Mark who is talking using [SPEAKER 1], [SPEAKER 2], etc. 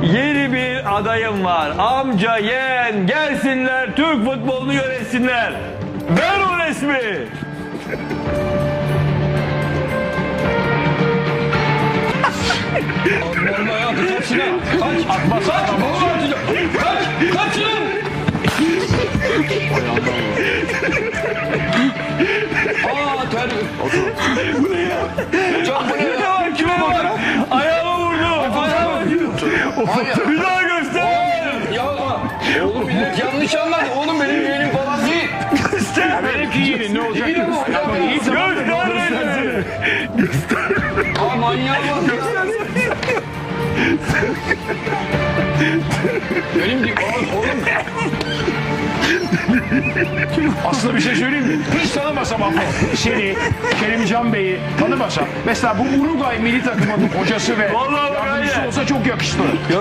[SPEAKER 1] Yeni bir adayım var. Amca, yeğen gelsinler Türk futbolunu yönetsinler. Ver o resmi. Kime bak? Ayağıma vurdu. Bir daha göster.
[SPEAKER 2] Oğlum millet yanlış anladı. Oğlum benim yeğenim falan değil.
[SPEAKER 3] Benimki iyi. Ne olacak?
[SPEAKER 2] İyi ama
[SPEAKER 3] İyi tamam.
[SPEAKER 1] Göster resmi.
[SPEAKER 2] Aa manyağa bak. Benim değil. Oğlum.
[SPEAKER 3] Aslında bir şey söyleyeyim mi? Hiç tanımasam Apo. Seni, Kerimcan Bey'i tanımasam. Mesela bu Uruguay milli takımının hocası ve
[SPEAKER 1] Vallahi bak
[SPEAKER 3] yardımcısı
[SPEAKER 1] öyle.
[SPEAKER 3] olsa çok yakıştı.